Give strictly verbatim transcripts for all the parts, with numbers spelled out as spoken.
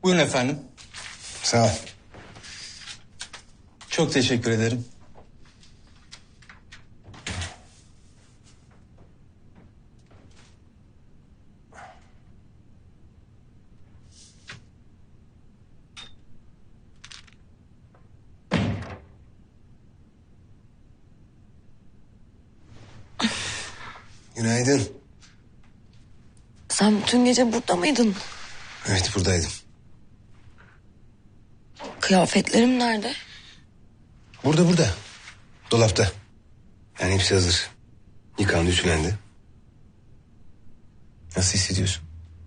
Buyurun efendim. Sağ ol. Çok teşekkür ederim. Günaydın. Sen bütün gece burada mıydın? Evet, buradaydım. Kıyafetlerim nerede? Burada burada. Dolapta. Yani hepsi hazır. Yıkandı, ütülendi. Nasıl hissediyorsun?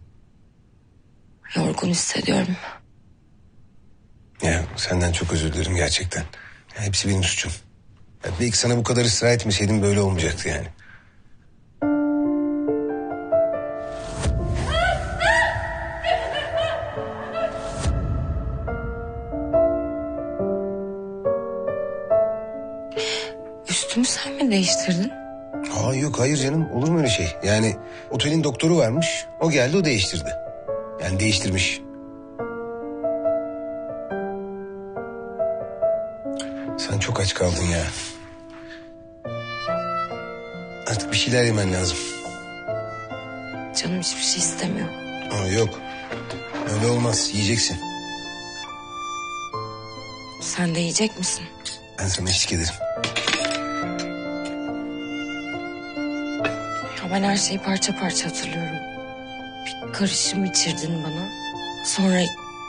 Yorgun hissediyorum. Ya senden çok özür dilerim gerçekten. Ya, hepsi benim suçum. Ya, belki sana bu kadar ısrar etmeseydim böyle olmayacaktı yani. Üstümü sen mi değiştirdin? Aa, yok hayır canım, olur mu öyle şey? Yani otelin doktoru varmış, o geldi o değiştirdi. Yani değiştirmiş. Sen çok aç kaldın ya. Artık bir şeyler yemen lazım. Canım hiçbir şey istemiyor. Aa, yok öyle olmaz, yiyeceksin. Sen de yiyecek misin? Ben sana eşlik ederim. Ya ben her şeyi parça parça hatırlıyorum. Bir karışım içirdin bana. Sonra...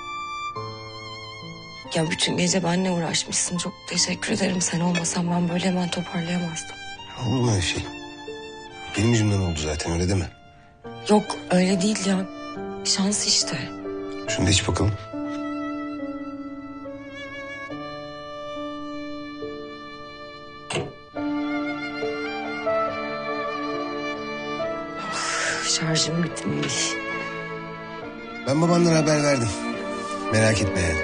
Ya bütün gece benimle uğraşmışsın. Çok teşekkür ederim. Sen olmasan ben böyle hemen toparlayamazdım. Olur mu öyle şey? Benim yüzümden oldu zaten, öyle deme. Yok öyle değil ya. Şans işte. Şunu da iç bakalım. Şarjım bitmiş. Ben babandan haber verdim. Merak etme yani.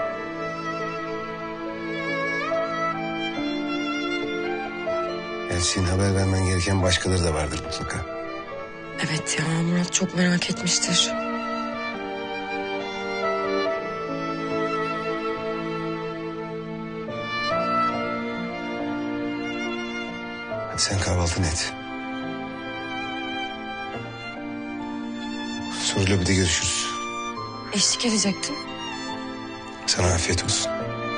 Yani senin haber vermen gereken başkaları da vardır mutlaka. Evet ya, Murat çok merak etmiştir. Hadi sen kahvaltını et. Sonra lobide görüşürüz. Eşlik edecektin. Sana afiyet olsun.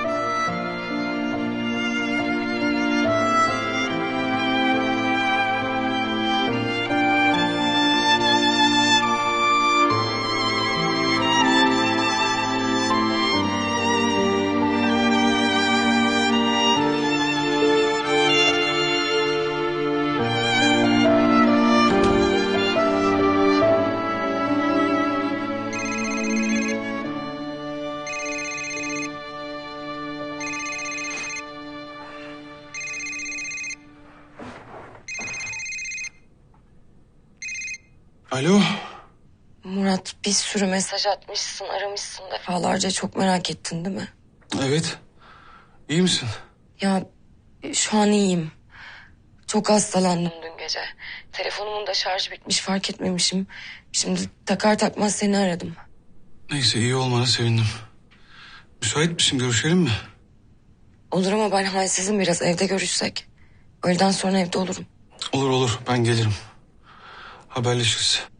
Alo. Murat bir sürü mesaj atmışsın, aramışsın defalarca. Çok merak ettin değil mi? Evet. İyi misin? Ya şu an iyiyim. Çok hastalandım dün gece. Telefonumun da şarjı bitmiş, fark etmemişim. Şimdi takar takmaz seni aradım. Neyse, iyi olmana sevindim. Müsait misin, görüşelim mi? Olur ama ben halsizim biraz, evde görüşsek. Öğleden sonra evde olurum. Olur olur, ben gelirim. Haberleşiriz.